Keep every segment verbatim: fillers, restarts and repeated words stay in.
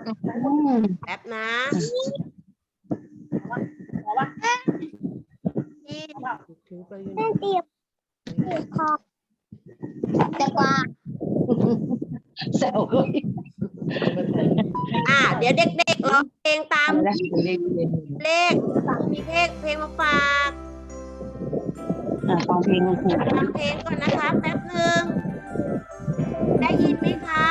แป๊บนะถือไปอยู่ไหนเตียบเตียบคอแต่กว่าแซวเลยอ่าเดี๋ยวเด็กๆร้องเพลงตามอะไรนะเรียนเรียนเลขมีเพลงเพลงมาฝากอ่าฟังเพลงของครูฟังเพลงก่อนนะคะแป๊บหนึ่งได้ยินไหมครับ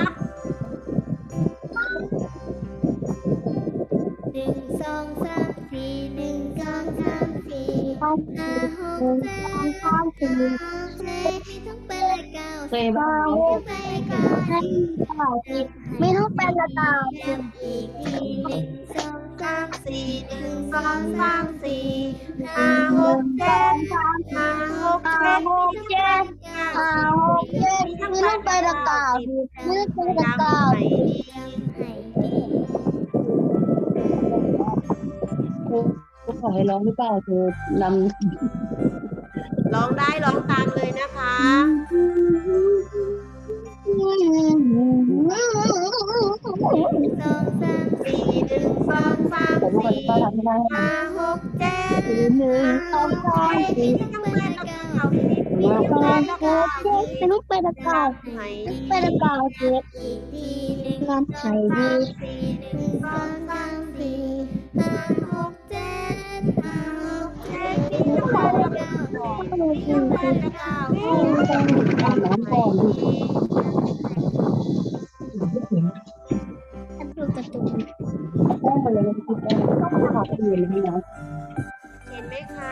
หนึ่งสองสามสี่หนึ่งสองสามสี่ห้าหกเจ็ดแปดเก้าสิบต้องเป็นเลขเก้าเคยบ้างเป็นเลขเก้าไม่ต้องเป็นละเก้าอีกทีหนึ่งสองสามสี่หนึ่งสองสามสี่ห้าหกเจ็ดห้าหกห้าเจ็ดหกเจ็ดห้าหกเจ็ดไม่ต้องเป็นละเก้าไม่ต้องเป็นละเก้าไหนดีครูครูขอให้ร้องหรือเปล่าเธอนำร้องได้ร้องตามเลยนะคะสองสามสี่หนึ่งสองสามแต่ลูกก็สี่ป้าทำไม่ได้ห้าหกเจ็ดหนึ่งสองสามสี่ต้องเป็นละเก้าสิบห้าหกเจ็ดไม่ต้องเป็นละเก้าไหนเป็นละเก้าเจ็ดงานไทยดีสี่หนึ่งสองสามสี่ห้าหกเจ็ดห้าหกเจ็ดต้องเป็นละเก้าต้องเป็นละเก้าอาบน้ำก่อนดิดูการ์ตูนแป้งไปเลยนะคิดแป้งต้องขอเปลี่ยนให้นะเห็นไหมคะ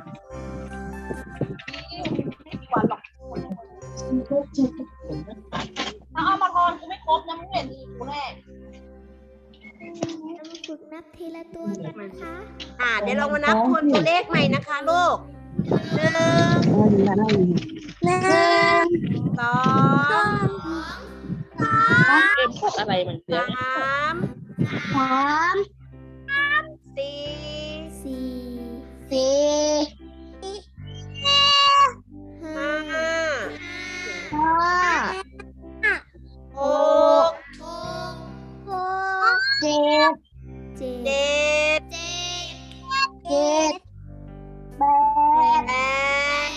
ถ้าเอามาทอนกูไม่ครบนะมึงเห็นดีกูแน่ต้องฝึกนับทีละตัวกันนะคะอ่าเดี๋ยวเรามานับคนตัวเลขใหม่นะคะลูกหนึ่งน่าดีนะน่าดีหนึ่งสองสามเอ็มพวกอะไรมันเยสอะามสามสี่สี่สี่ห้าห้าหกหกเจ็ดเจ็ดเจ็ดเจ็ดแปดแปด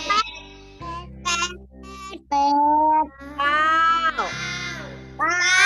แปดเก้าเก้า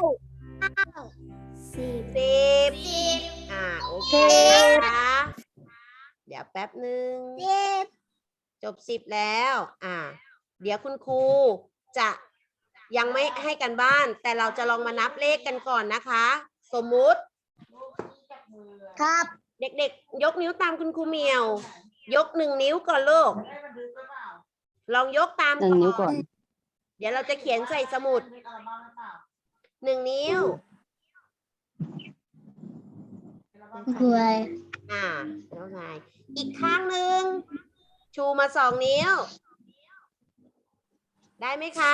สิบสิบอ่าโอเคนะคะเดี๋ยวแป๊บหนึ่งสิบจบสิบแล้ว อ่า เดี๋ยวคุณครูจะยังไม่ให้กันบ้าน แต่เราจะลองมานับเลขกันก่อนนะคะ สมมุติครับเด็กๆ ยกนิ้วตามคุณครูเหมียว ยกหนึ่งนิ้วก่อนลูก ลองยกตามหนึ่งนิ้วก่อนเดี๋ยวเราจะเขียนใส่สมุดหนึ่งนิ้วรวยอ่าแล้วไง อีกข้างหนึ่ง ชูมาสองนิ้ว ได้ไหมคะ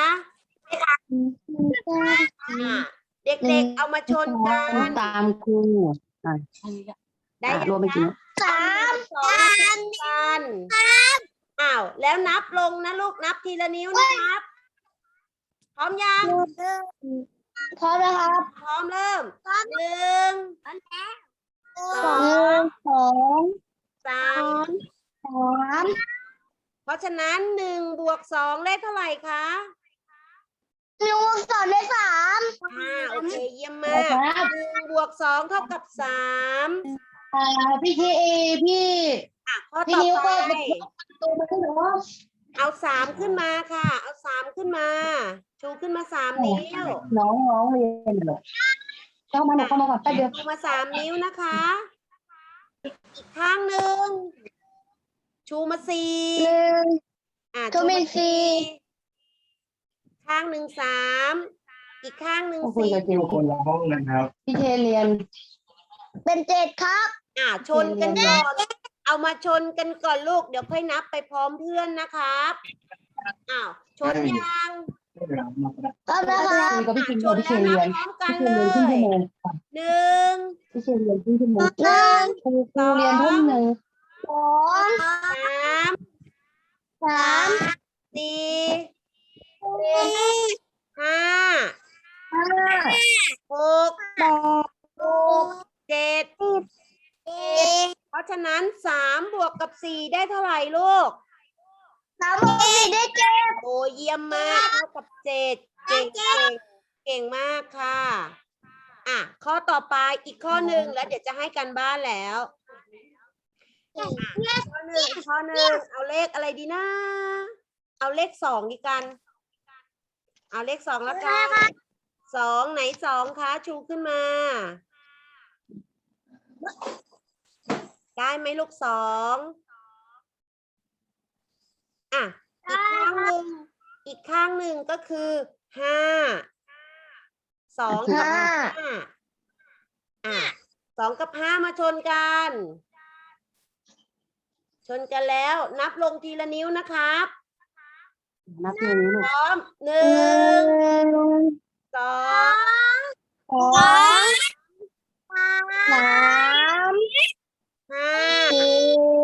อ่า เด็กๆ เอามาชนกันตามครูอ่ะได้อ่ะยังรวมไปกี่คะ สามสองกันอ้าว แล้วนับลงนะลูก นับทีละนิ้วนะครับ พร้อมยังพร้อมแล้วครับพร้อมเริ่มหนึ่งสสออง งสองสามสามเพราะฉะนั้นหนึ่งบวกสองได้เท่าไหร่คะหนึ่งสองได้สามอ่า โอเค เยี่ยมมากหนึ่งบวกสองเท่ากับสามอ่าพี่เคเอพี่อ่ะข้อพี่ต่อนิ้วไปเปิดประตูมาให้หนูเอาสามขึ้นมาค่ะ เอาสามขึ้นมา ชูขึ้นมาสามนิ้วน้องน้องเรียนเหรอเข้ามาหนูเข้ามาก่อนแป๊บเดียวชูมาสามนิ้วนะคะ อีกข้างหนึ่ง ชูมาสี่หนึ่งอ่ะชูมาสี่ข้างหนึ่งสาม อีกข้างหนึ่งก็คุยสี่กับจิวคนละห้องนะครับพี่เคเรียนเป็นเจ็ดครับอ่ะชนกันก่อน เอามาชนกันก่อนลูก เดี๋ยวค่อยนับไปพร้อมเพื่อนนะครับ อ้าว ชนยังพร้อมแล้วครับคุยกับพี่อ่ะคิมชกับนพี่เคแล้วเรียนันบพร้อมกันพี่เคเลเรียนครึ่งชั่ยวโมงหนึ่งพี่เคเรียนครึ่งชั่วโมงหนึ่งครูครูเรียนทุ่มหนึ่งสองสามสามสี่สี่ห้าห้าหกแปดะนั้นสามบวกกับสี่ได้เท่าไหร่ลูกสามบวกสี่ได้เจ็ดโอ้เยี่ยมมากเท่ากับเจ็ดเก่งเก่งเก่งมากค่ะอ่ะข้อต่อไปอีกข้อหนึ่งแล้วเดี๋ยวจะให้กันบ้านแล้วอ่ะข้อหนึ่งอีกข้อหนึ่งเอาเลขอะไรดีนะเอาเลขสองดีกันเอาเลขสองแล้วกันสองไหนสองคะชูขึ้นมา ได้ไหมลูกสองอ่ะอีกข้างหนึ่งอีกข้างหนึ่งก็คือห้าสองกับห้าอ่ะสองกับห้ามาชนกัน ชนกันแล้วนับลงทีละนิ้วนะครับนับอย่างนี้ลูพกร้อมหนึ่งสองสองสามห้าสี่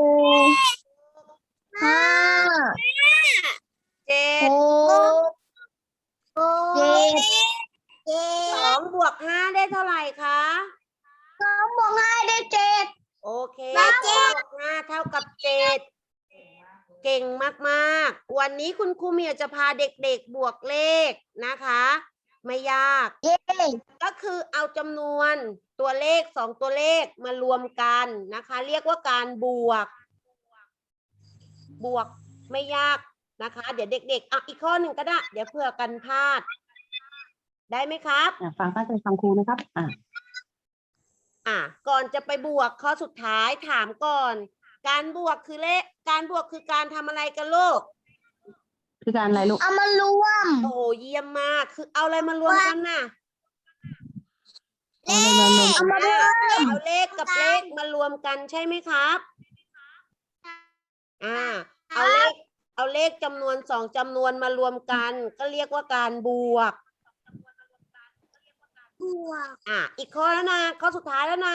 ห้าเจ็หดกเจ็ดเจ็สอดงบวกห้าได้เท่าไหร่คะสองบวกห้าได้เจ็ดโอเคได้สเจ็องดบวกห้าเท่ากับเจ็ดเก่งมากๆ วันนี้คุณครูเหมียวจะพาเด็กๆบวกเลขนะคะ ไม่ยากเย้ก็คือเอาจำนวนตัวเลขสองตัวเลขมารวมกันนะคะ เรียกว่าการบวก บวกไม่ยากนะคะ เดี๋ยวเด็กๆอ่ะอีกข้อหนึ่งก็ได้ เดี๋ยวเผื่อกันพลาด ได้ไหมครับอ่ะฟังตั้งใจฟังครูนะครับ อ่ะอ่ะก่อนจะไปบวกข้อสุดท้ายถามก่อน การบวกคือเลขการบวกคือการทำอะไรกันลูกคือการอะไรลูกเอามารวมโอ้โหเยี่ยมมากคือเอาอะไรมารวมกันน่ะเอาเลยมาลงเอามารวมเอาเลขกับเลขมารวมกันใช่ไหมครับอ่าเอาเลขเอาเลขจำนวนสองจำนวนมารวมกัน ก็เรียกว่าการบวกบวกอ่ะอีกข้อแล้วนะข้อสุดท้ายแล้วนะ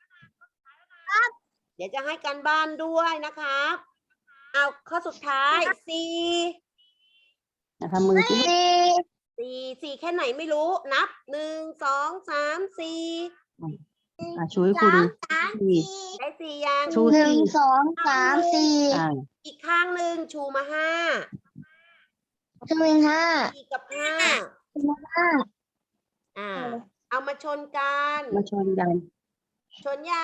เดี๋ยวจะให้การบ้านด้วยนะครับเอาข้อสุดท้ายสี่อ่ะทำมือสิลูกสี่สี่สี่แค่ไหนไม่รู้นับหนึ่งสองสามสี่อ่ะช่วยครูดูสามสี่ได้สี่ยังชูหนึ่งสองสามสี่อ่ะอีกข้างหนึ่งชูมาห้าหนึ่งห้าสี่กับห้าห้าอ่า เอามาชนกันมาชนกันชนยัง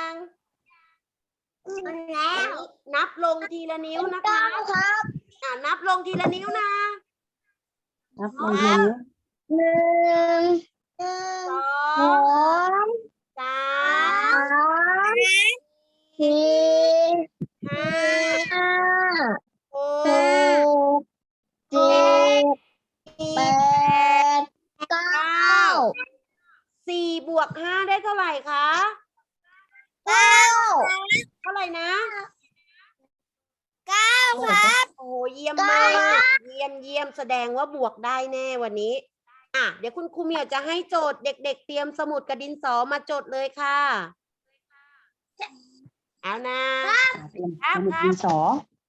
แล้วนับลงทีละนิ้วนะเก้าคะครับอ่านับลงทีละนิ้วนะนับลงทีนี้หนึ่งสอสอง งสาสาม มสี่ห้าห้าหหกกเจ็ดแปดเก้าสี่บวกห้าได้เท่าไหร่คะเก้าเท่าไหร่นะเก้าครับโอ้โหเยี่ยมมาก เยี่ยมเยี่ยมแสดงว่าบวกได้แน่วันนี้ อ่ะ เดี๋ยวคุณครูเหมียวจะให้โจทย์เด็ก ๆ เตรียมสมุดกระดินสอมาจดเลยค่ะ เอานะอ่ะเตรียมสมุดดินสอ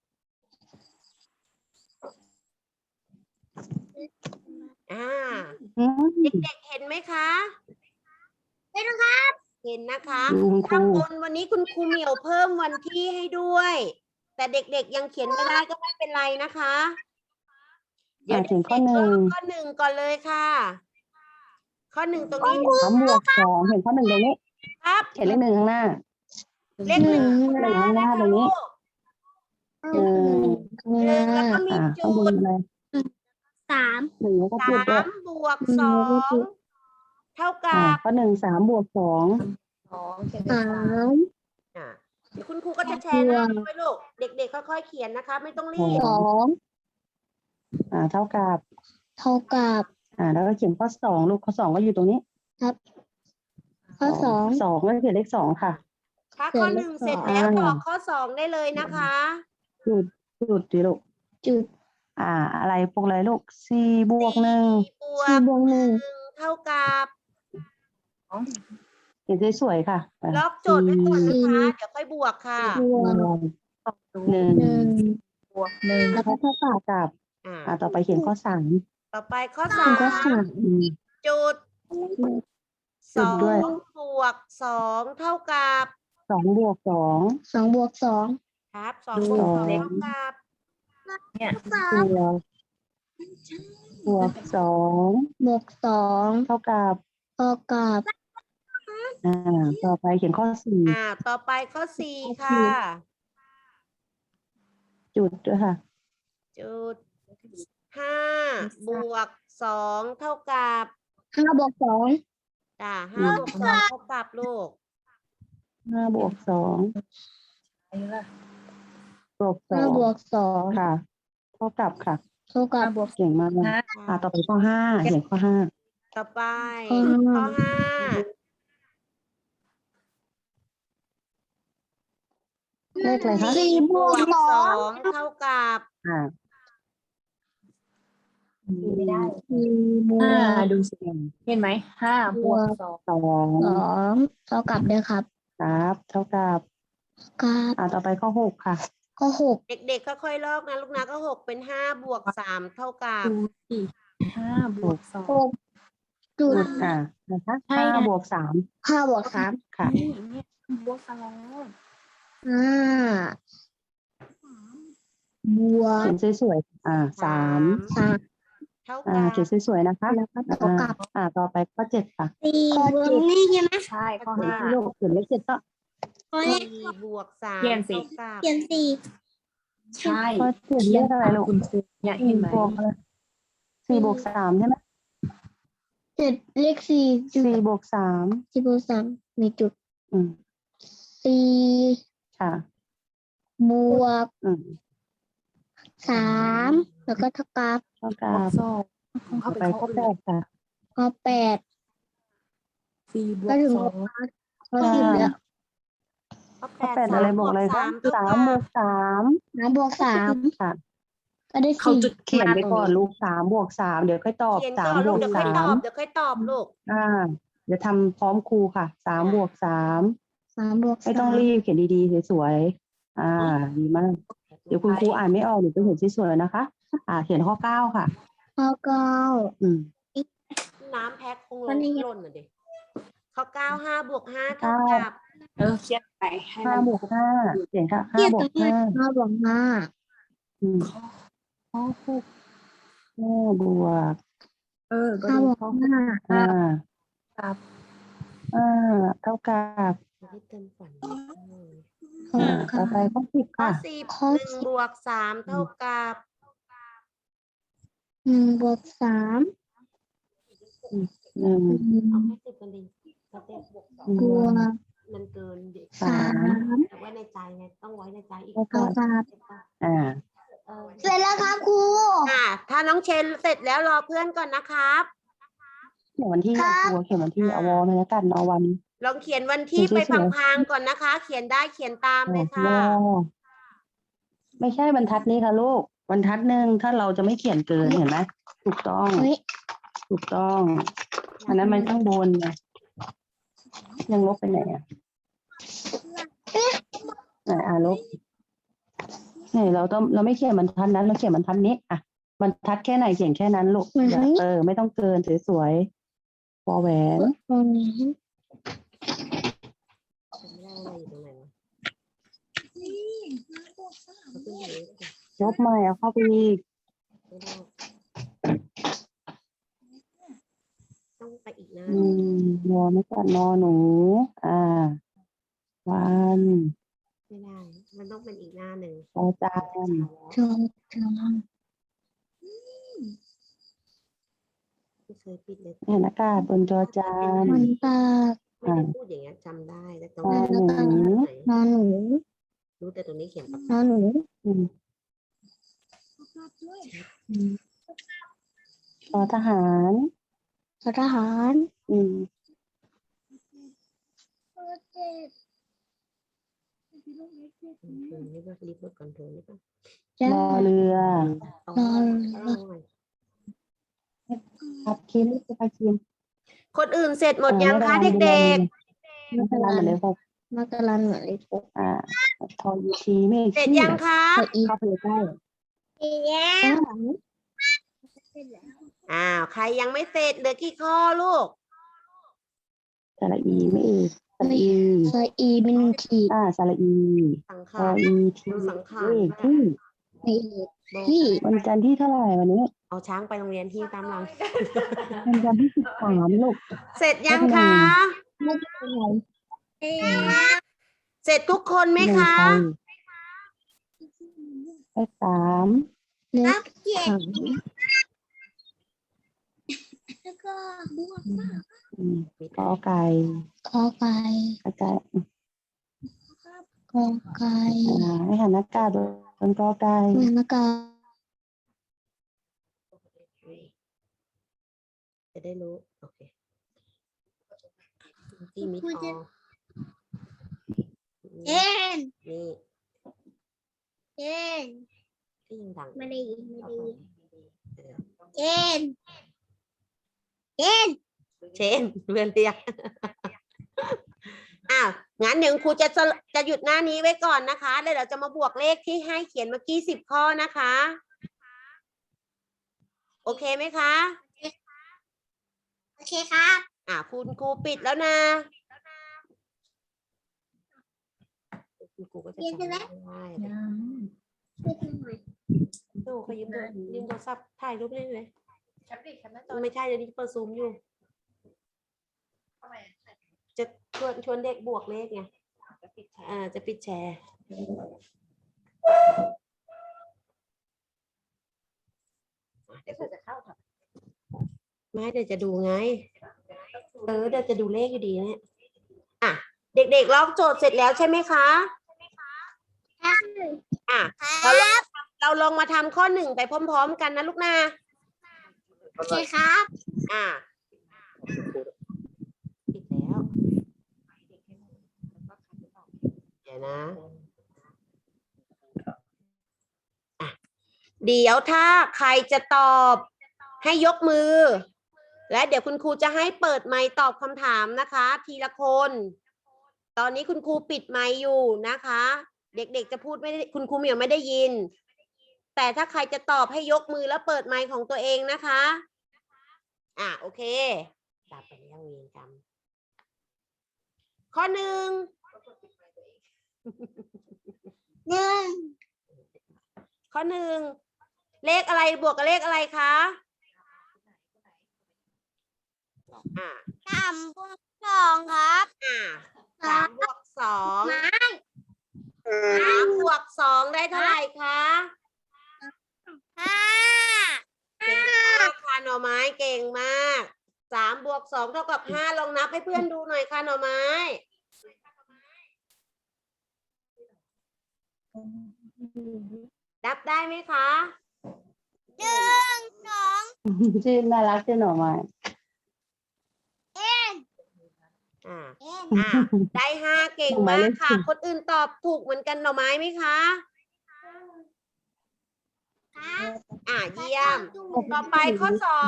อ่าอืมเด็กๆเห็นไหมคะเห็นครับเห็นนะคะดูคุณคข้างรูบนวันนี้คุณครูเหมียวเพิ่มวันที่ให้ด้วย แต่เด็กๆยังเขียนไม่ได้ก็ไม่เป็นไรนะคะอ่ะถึงข้อหนึ่งข้อหนึ่งก่อนเลยค่ะ ข้อหนึ่งตรงนี้สามบวกสองเห็นข้อหนึ่งตรงนี้ครับเขียนเลขหนึ่งข้างหน้าเลขหนึ่งหนึ่งข้างหน้าตรงนี้ หนึ่งหนึ่งแล้วก็มีอ่ะจุข้างบนดอะไรสามหนึ่งแล้วก็สจุดด้วยามบวกสองเท่ากัอ่ะบข้อหนึ่งสามบวกสองสามอ่ะเดี๋ยวคุณครูก็จะแชร์หน้าจอไว้ลูก เด็กๆค่อยๆเขียนนะคะ ไม่ต้องรีบสองอ่าเท่ากับเท่ากับอ่าแล้วก็เขียนข้อสองลูกข้อสองก็อยู่ตรงนี้ข้อสองสองก็เขียนเลขสองค่ะถ้าข้อหนึ่งเสร็จแล้วต่อข้อสองได้เลยนะคะจุดจุดดิลูกจุดอ่า อะไรพวกอะไรลูกสี่บวกหนึ่งบวสี่กบวกหนึ่งหนึ่งเท่ากับเขียนสวยๆค่ะอ่ะล็อกโจทย์ไว้ก่อนนะคะ เดี๋ยวค่อยบวกค่ะบวกหนึ่งหนึ่งบวกหนึ่งแล้วก็เท่ากับเท่ากับอ่าอ่าต่อไปเขียนข้อสามต่อไปข้อหสานึ่งมก็สามอืมจุดจุสดอด้วยงบวกสองเท่ากับสองบวกสองสองบวกสองครับสองบวกสองเท่ากับเนี่ยสามบวกบวกสองบวกสองเท่ากับเท่ากับอ่าต่อไปเขียนข้อสี่อ่า ต่อไปข้อสี่ค่ะจุดด้วยค่ะจุดห้าบวกสองเท่ากับห้าบวกสองจ้าห้าบวกสองเท่ากับลูกห้าบวกสองอะไรล่ะบวกสอห้าง บวกสองค่ะ เท่ากับค่ะเท่ากับห้าบวกเก่งมากเลยห้าอ่าต่อไปข้อห้าเขียนข้อห้าต่อไปข้อห้าข้อห้าเลขอะไรคะสี่บวกสสออง งเท่ากับอ่าไม่ได้สี่บวห้าก ดูสิเห็นไหมห้าบวกสองสองสองเท่ากับเด้อครับครับ เท่ากับกับอ่าต่อไปข้อหกค่ะข้อหกเด็กๆค่อยๆลอกนะลูกนะก็หกเป็นห้าบวกสามเท่ากับดูสิห้าบวกสองหกจุดจุดอ่านะคะใช่ห้าไงบวกสามห้าบวกสามค่ะนี่เนี่ยบวกสองห้าบวกเขียนสวยๆอ่าสามสามเท่าอ่ากับเขียนสวยๆนะคะแล้วก็เท่าอ่ากับอ่าต่อไปข้อเจ็ดค่ะสี่บวกนี่ใช่ไหมใช่ข้อเขียนห้าที่ลูกเขียนเลขเจ็ดก็ข้อแรกสี่บวกสามเขียนสิเท่ากับเขียนสี่ใช่ข้อเจ็ดเลขอะไรลูกคุณครูเนี่ยเห็นไหมบวกอะไรสี่บวกสามใช่ไหมเจ็ดเลขสี่จุดสี่บวกสามสี่บวกสามมีจุดอืมสี่ค่ะบวกอืมสามแล้วก็เท่ากับเท่ากับวกบสองของต่เขาอเป็นไปข้อข้ออื่แปนดค่ะข้อแปดสี่บวก็กถึงสข้ออง ข้อสิบแล้วข้อข้อแปแปดดสาอะไรมบบ ววกกอะไรสาคะมเท่าสามกับบวกสามน้ำบวกสามค่ะก็ได้เขาสี่จุดเขียนไปตรงก่อนลูกสามบวกสามเดี๋ยวค่อยตอบเขียนสาก่มอนบลูกวกเดี๋ยวค่อยสาตอมบเดี๋ยวค่อยตอบลูกอ่า เดี๋ยวทำพร้อมครูค่ะสามบวกสามสามบวกไม่สาต้องมรีบเขียนดีๆสวยๆอ่า ดีมาก เดี๋ยวคุณครูอ่านไม่ออกหนูจะเขียนสวยๆนะคะ อ่า เขียนข้อเก้าค่ะข้อเก้าอืมน้ำแพ็คคงวันนี้หล่นน่ะดิข้อเก้าห้าบวกห้าเท่ากับเออเขียนไปให้ห้ามันบวกห้าเขียนค่ะห้าเทียบบวกักบห้าห้าห้าบวกห้าอืมข้อหกห้าบวกเออก็ห้าดูบวกข้อห้าห้ากับห้าเท่ากับไม่ได้เติมฝันข้ออ่าเก้าต่อไปข้อสิบข้อค่ะสิบข้อหนึ่งสิบบวกสามเท่ากับหนึ่งบวกสามหนึ่งหนึ่งเอาแค่สิบกันดิสเต็ปบวกสองบวกมันเกินเด็กสามแต่ว่าในใจไงต้องไว้ในใจอีกเท่าเท่ากับกับอ่าเออเสร็จแล้วครับครูอ่าถ้าน้องเชนเสร็จแล้วรอเพื่อนก่อนนะครับเขียนวันที่ครับตัวเขียนวันที่อ่าเอาวอลเลยแล้วกันเอาวันลองเขียนวันที่เขีไปยนสวยๆพลางๆก่อนนะคะ เขียนได้เขียนตามเลยค่ะวอไม่ใช่บรรทัดนี้ค่ะลูกบรรทัดหนึ่งถ้าเราจะไม่เขียนเกินเห็นไหมถูกต้องเฮ้ยถูกต้องอันนั้นมันข้างบนไงยังลบไปไหนอ่ะไหนอ่ะลบนี่เราต้องเราไม่เขียนบรรทัดนั้นเราเขียนบรรทัดนี้อ่ะบรรทัดแค่ไหนเขียนแค่นั้นลูกอือฮึอย่าเออไม่ต้องเกินสวยๆวอแหวนตรงนี้จำไม่ได้ว่าอยู่ตรงไหนวะเอาขึ้นอยู่นี่ลบใหม่เอาเข้าไปอีกไม่ได้ต้องไปอีกนะอืมวอไม่กัดนอหนู อ่า วันไม่ได้ มันต้องเป็นอีกหน้าหนึ่งจอจานจงจงไม่เคยปิดเลยเห็นอากาศบนจอจานมันตากไม่ได้พูดอย่างเงี้ยจำได้แต่ตรงนอนี้หนูไหนนอนหนูรู้แต่ตรงนี้เขียนปากนอนหนูอืมทอทหารทหารอืมเออนี่ว่ารีบหมดก่อนเธอนี่ป่ะจ้ารอเรือเอารอเอาหน่อยพับคิมจะไปคิมคนอื่นเสร็จหมดยังคะเด็กไม่เป็นไรหมดเลยค่ะมากรันเหมือนเลขหกอ่าทอยูทีไม่ๆ เสร็จยังคะไปอีกเข้าไปใกล้แล้วอ้าวใครยังไม่เสร็จเหลือกี่ข้อลูกแต่ละอีไม่อีกสระอีสระอีมินขีดอ่าสระอีสังสขารระอีทีดูสังขารเลขที่มีโบที่วันจันทร์ที่เท่าไหร่วันนี้เอาช้างไปโรงเรียนที่ตามหลังวันจันทร์ที่สิบสามลูกเสร็จยังเลขหนึ่คะงไม่เป็นไรเสร็จทุกคนไหมหนึ่งคะใครเลขสามเลขสามแล้วก็บวกอืมกอไก่ขอไก่กระจายกอไก่อ่าให้หันหน้ากาบนกอไก่เหมือนกาจะได้รู้ โอเคที่มิดออเอ็นนี่เอ็นที่ยิงดังไม่ได้ยินไม่ได้ยินเออเอ็นเอ็นเชนเพื่อนเรียก อ้าวงั้นเดี๋ยวครูจะสรุปจะหยุดหน้านี้ไว้ก่อนนะคะแล้วเดี๋ยวจะมาบวกเลขที่ให้เขียนเมื่อกี้สิบข้อนะคะ โอเคไหมคะโอเคครับอ่าคุณครูปิดแล้วนะคุณครูก็จะจำไม่ได้ดูเขายืมโทรยืมโทรศัพท์ถ่ายรูปได้เลยไม่ใช่เดี๋ยวนี้เปิดซูมอยู่ จะชวนชวนเด็กบวกเลขไงอ่าจะปิดแชร์เดี๋ยวจะเข้าค่ะไม่เดี๋ยวจะดูไง เออเดี๋ยวจะดูเลขอยู่ดีเนี่ยอ่ะเด็กๆลอกโจทย์เสร็จแล้วใช่ไหมคะอ่ะเราลองเราลองมาทำข้อหนึ่งไปพร้อมๆกันนะลูกนะโอเคครับอ่ะปิดแล้วเดี๋ยวนะอ่ะเดี๋ยวถ้าใครจะตอบให้ยกมือ และเดี๋ยวคุณครูจะให้เปิดไมค์ตอบคำถามนะคะ ทีละคน ตอนนี้คุณครูปิดไมค์อยู่นะคะ เด็กๆจะพูดไม่ได้คุณครูเหมียวไม่ได้ยิน แต่ถ้าใครจะตอบให้ยกมือแล้วเปิดไมค์ของตัวเองนะคะ อ่ะโอเคดับไปแล้วเวรกรรมข้อหนึ่งหนึ่งข้อหนึ่งเลขอะไรบวกกับเลขอะไรคะอ่ะสามบวกสองครับอ่ะสามบวกสองสามบวกสองได้เท่าไหร่คะห้าเก่งมากค่ะหน่อไม้เก่งมากสามบวกสองเท่ากับห้าลองนับให้เพื่อนดูหน่อยค่ะหน่อไม้นับได้ไหมคะหนึ่งสองชื่อน่ารักชื่อหน่อไม้เอ็นอ่าเอ็นอ่าได้ห้าเก่งมากค่ะ คนอื่นตอบถูกเหมือนกันหน่อไม้ไหมคะครับอ่าเยี่ยม ต่อไปข้อสอง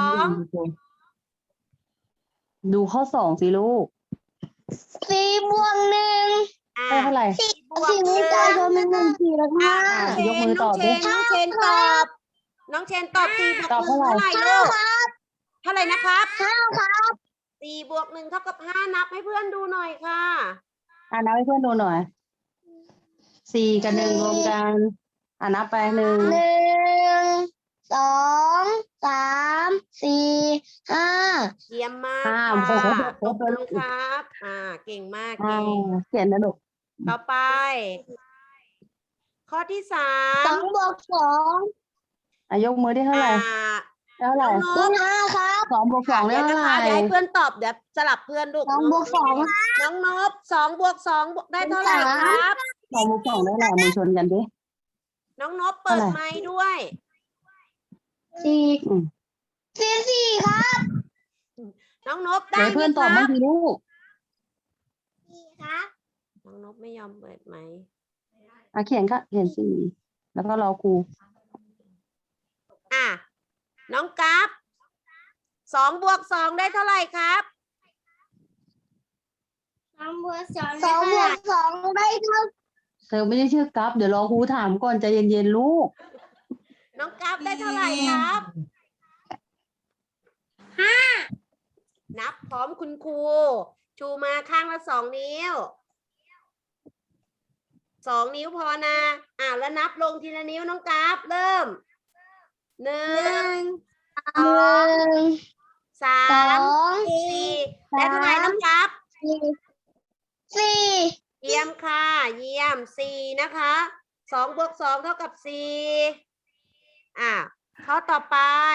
ดูข้อสองสิลูกสี่บวกหนึ่งอ่าได้เท่าไหร่บวกสี่หมีนึ่งใจก็ไม่หนึ่งสี่แล้วอ่าห้าน้องเชยกมืนอน้ตออง บเชดินน้องเชนตอบ น้องเชนตอบสี่บวกตอบหนึ่งเท่าไหร่เท่าไหร่ลูกครับเท่าไหร่นะครับห้าครับสี่บวกหนึ่งเท่ากับห้านับให้เพื่อนดูหน่อยค่ะอ่านับให้เพื่อนดูหน่อยสี่กับหนึ่งรวมกันอ่านับไปหนึ่งหนึ่งสองสามสี่ห้าเยี่ยมมากห้าค่ะโอ้โหตบมือครับ อ่า เก่งมากอ่าเก่งเขียนนะลูกต่อไป ข้อที่สาสมองบวกสองอ่ะยกมือได้เท่าไหร่อ่าได้เท่าไหร่น้องนบวกกห้าครับสองบวกสองได้เดี๋ยวเท่านะไหคะร่เดี๋ยวให้เพื่อนตอบเดี๋ยวสลับเพื่อนลูกสองบวกสองน้องนบสองบวกสองได้เท่าไหร่ครับสองบวกสองได้เท่าไหร่มือชนกันดิน้องนบเปิดเท่าไหร่ Dạ. ไมค์ด้วยสี่อืมสี่สี่ครับน้องนบเดี๋ได้ยวไหมเพื่อนตอบคบ้ารังบสิลูกสี่ครับน้องนบไม่ยอมเปิดไมค์อ่ะเขียนก็เขียนสี่แล้วก็รอครูอ่ะน้องกัฟสองบวกสองได้เท่าไหร่ครับสองบวกสองสองบวกสองได้เท่าเธอไม่ได้ชื่อกัฟเดี๋ยวรอครูถามก่อนใจเย็นๆลูกน้องกัฟได้เท่าไหร่ครับห้านับพร้อมคุณครูชูมาข้างละสองนิ้วสองนิ้วพอนะอ่าแล้วนับลงทีละนิ้วน้องกราฟเริ่มหนึ่หนึ่งงสอหนึ่งงสาสอมงสี่และเท่าไหร่น้องกราฟสี่สี่เยี่ยมค่ะเยี่ยมสี่นะคะสองบวกสองเท่ากับสี่อ่ะข้อต่อไป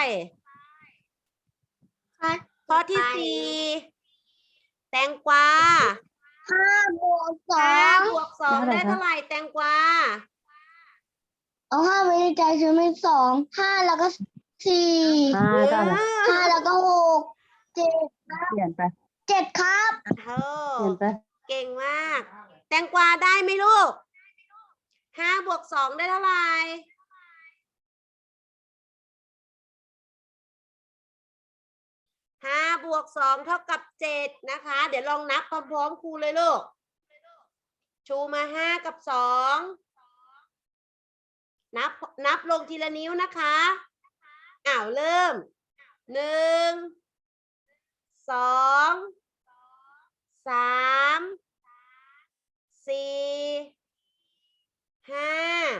ข้อที่สี่แตงกวาห้าบวกสอห้าง บวกสองได้ได้เท่าเท่าไหไหร่ร่แตงกวาเอาห้าไว้ในใจฉันเป็นสองห้าแล้วก็สี่ห้าเก้าเลยห้าแล้วก็หกเจ็ดเปลี่ยนไปเจ็ดครับเอเปลี่ยนไปเก่งมาก แตงกวาได้ไหมลูกห้าบวกสองได้เท่าไหร่ห้าบวกสองเท่ากับเจ็ดนะคะ เดี๋ยวลองนับพร้อมๆครูเลยลูก ชูมาห้ากับสองนับนับลงทีละนิ้วนะคะอ้าวเริ่มหนึ่งสองสามสี่ห้า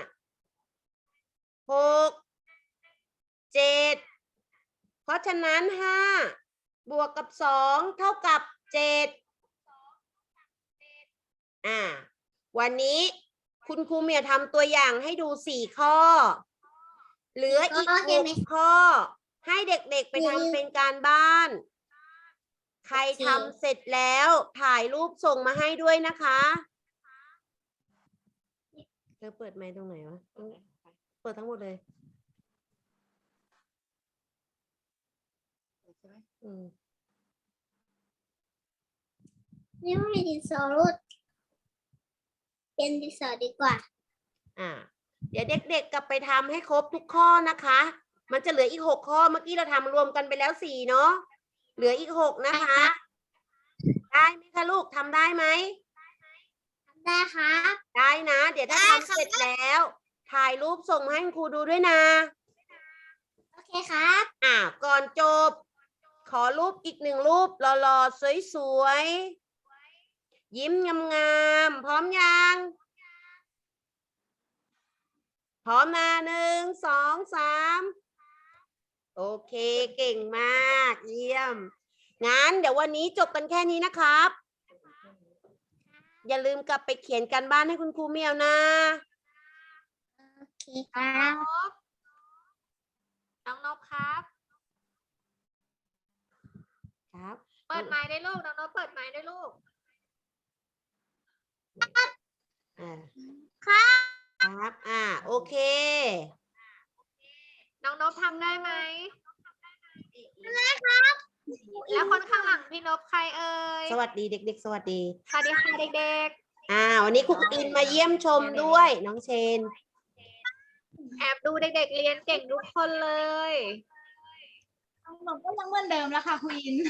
หกเจ็ดเพราะฉะนั้นห้าบวกกับสองเท่ากับเจ็ดอ่าวันนี้คุณครูเมียทำตัวอย่างให้ดูสี่ข้อ เหลืออีกหกข้อ ให้เด็กๆไปทำเป็นการบ้าน ใครทำเสร็จแล้วถ่ายรูปส่งมาให้ด้วยนะคะเธอเปิดไมค์ตรงไหนวะเปิดทั้งหมดเลยอืมนี่ไม่ดินสอรุดเป็นดินสอดีกว่าอ่า เดี๋ยวเด็กๆกลับไปทำให้ครบทุกข้อนะคะ มันจะเหลืออีกหกข้อ เมื่อกี้เราทำรวมกันไปแล้วสี่เนาะ เหลืออีกหกนะคะ ได้ไหมคะลูกทำได้ไหมได้ครับได้นะ เดี๋ยวถ้าได้ทำค่ะเสร็จแล้ว ถ่ายรูปส่งมาให้คุณครูดูด้วยนะโอเคครับอ่า ก่อนจบ ขอรูปอีกหนึ่งรูปหล่อๆสวยๆ ยิ้มงามๆ พร้อมยัง พร้อมนะหนึ่งสองสามโอเคเก่งมาก เยี่ยม งั้นเดี๋ยววันนี้จบกันแค่นี้นะครับ อย่าลืมกลับไปเขียนการบ้านให้คุณครูเมียวนะโอเคครับน้องนบครับครับเปิดไมค์ได้ลูก น้องนบเปิดไมค์ได้ลูกอ่าครับครับ อ่า โอเคน้องนบทำได้ไหมได้ครับแล้วคนข้างหลังพี่นบใครเอ่ยสวัสดีเด็ก ๆ สวัสดีสวัสดีค่ะเด็กอ่า วันนี้ครูอินมาเยี่ยมชมด้วย น้องเชนๆ แอบดูเด็กๆ เรียนเก่งทุกคนเลยหนูก็ยังเหมือนเดิมแล้วค่ะคุณอิน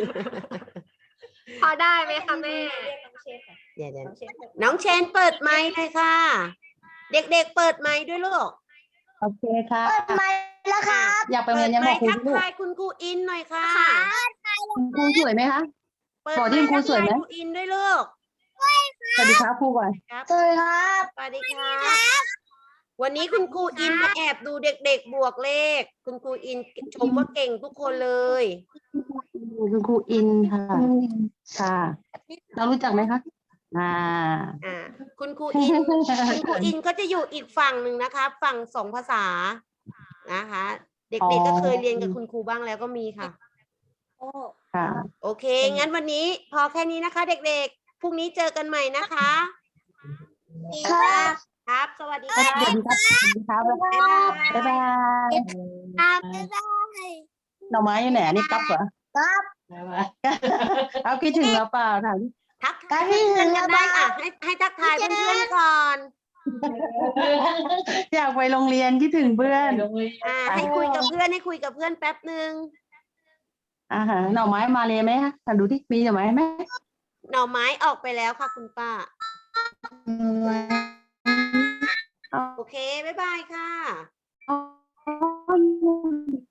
พอได้ไหมคะแม่เดี๋ยวๆน้องเชนเปิดไมค์เลยค่ะ เด็กๆ เปิดไมค์ด้วยลูกโอเคค่ะเปิดไมค์แล้วครับอยากไปเปิเรียดนยังไมบอกค์ครูทักลูกทายคุณครูอินหน่อยค่ะคุณครูสวยไหมคะเปิดบอกไมที่ค์คุทัณกครูสวยทายไหมครูอินด้วยลูกสวัสดีครับครูก่อนครับสวัสดีครับสวัสดีครับวันนี้คุณครูอินมาแอบดูเด็กๆ บวกเลข คุณครูอินชมว่าเก่งทุกคนเลยคุณครูอินค่ะ ค่ะ เรารู้จักไหมคะ อ่าอ่า คุณครูอิน คุณครูอินก็จะอยู่อีกฝั่งหนึ่งนะคะ ฝั่งสองภาษา นะคะ เด็กๆ ก็เคยเรียนกับคุณครูบ้างแล้วก็มีค่ะค่ะโอเค งั้นวันนี้พอแค่นี้นะคะ เด็กๆ พรุ่งนี้เจอกันใหม่นะคะครับครับ สวัสดีสครัวับสดีครับ สวัสดีครับบ๊ายบายบ๊ายบายครับบ๊ายบายหน่อไม้อยู่ไหนอันนี้ก๊อฟเหรอครับบ๊ายบายเอาคิดถึงเราเปล่าถามดิทักทายเพื่อนๆกันได้อ่ะให้ให้ทักทายเพื่อนๆก่อนอยากไปโรงเรียนคิดถึงเพื่อนอ่า ให้คุยกับเพื่อนให้คุยกับเพื่อนแป๊บหนึ่งอ่าฮะหน่อไม้มาเลยไหมคะดูที่มีหน่อไม้ไหมหน่อไม้ออกไปแล้วค่ะคุณป้า โอเค บ๊ายบายค่ะอ๋อ